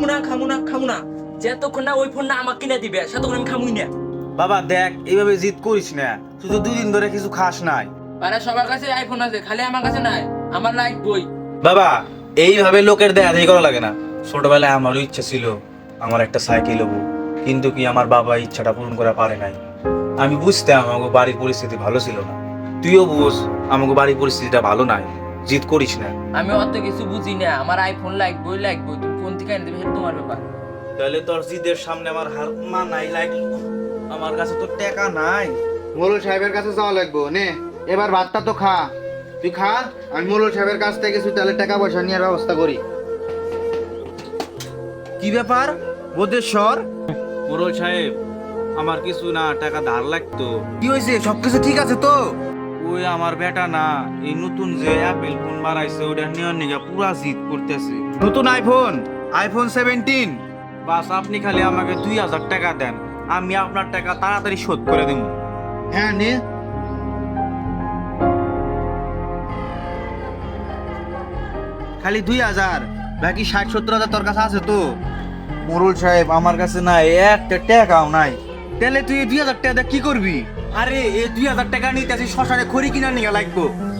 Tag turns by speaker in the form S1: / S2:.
S1: খামু না যতক্ষণ না ওই ফোন না আমাকে কিনে দিবে ততক্ষণ আমি খামুই না।
S2: বাবা দেখ এইভাবে জিদ করিস না, তুই তো 2 দিন ধরে কিছু খাস নাই।
S1: আরে সবার কাছে আইফোন আছে, খালি আমার কাছে নাই। আমার লাইক বই।
S2: বাবা এইভাবে লোকের দেয়া দেই করা লাগে না। ছোটবেলায় আমারও ইচ্ছা ছিল আমার একটা সাইকেল হবো, কিন্তু কি আমার বাবা ইচ্ছাটা পূরণ করা পারে নাই। আমি বুঝতাম আমাকে বাড়ির পরিস্থিতি ভালো ছিল না, তুইও বুঝ আমাকে বাড়ির পরিস্থিতিটা ভালো নাই, জিদ করিস না।
S1: আমি অত কিছু বুঝি না, আমার আইফোন লাগবই। তুমি কোন থেকে এনে দেবে সেটা তোমার ব্যাপার।
S2: তাহলে তোর জিদের সামনে আমার হার মানাই লাগলো, আমার কাছে তো টাকা নাই।
S3: মোড়ল সাহেবের কাছে যাওয়া লাগবো নে, এবার ভাতটা তো খা। তুই খা, আমি মোড়ল সাহেবের কাছ থেকে কিছু তাহলে টাকা পয়সা নেওয়ার ব্যবস্থা করি।
S2: কি ব্যাপার বোধেশ্বর? মোড়ল সাহেব আমার কিছু না টাকা ধার লাগতো।
S3: কি হয়েছে, সবকিছু ঠিক আছে তো?
S2: ওই আমার বেটা না এই নতুন যে অ্যাপেল ফোন বানাইছে ওটা নেওয়ার নিগা পুরা জিদ করতেছে।
S3: নতুন আইফোন 17।
S2: বাস আপনি খালি আমাকে 2000 টাকা দেন, আমি আপনার টাকা তাড়াতাড়ি শোধ করে দেব।
S3: হ্যাঁ নে, খালি 2000, বাকি 60-70 হাজার তোর কাছে আছে তো?
S2: মোড়ল সাহেব আমার কাছে না একটা টাকাও নাই।
S3: তাহলে তুই 2000 টাকা দিয়ে কি করবি?
S2: আরে এই 2000 টাকা নিতে শ্মশানে খড়ি কিনা নিয়ে লাগবো।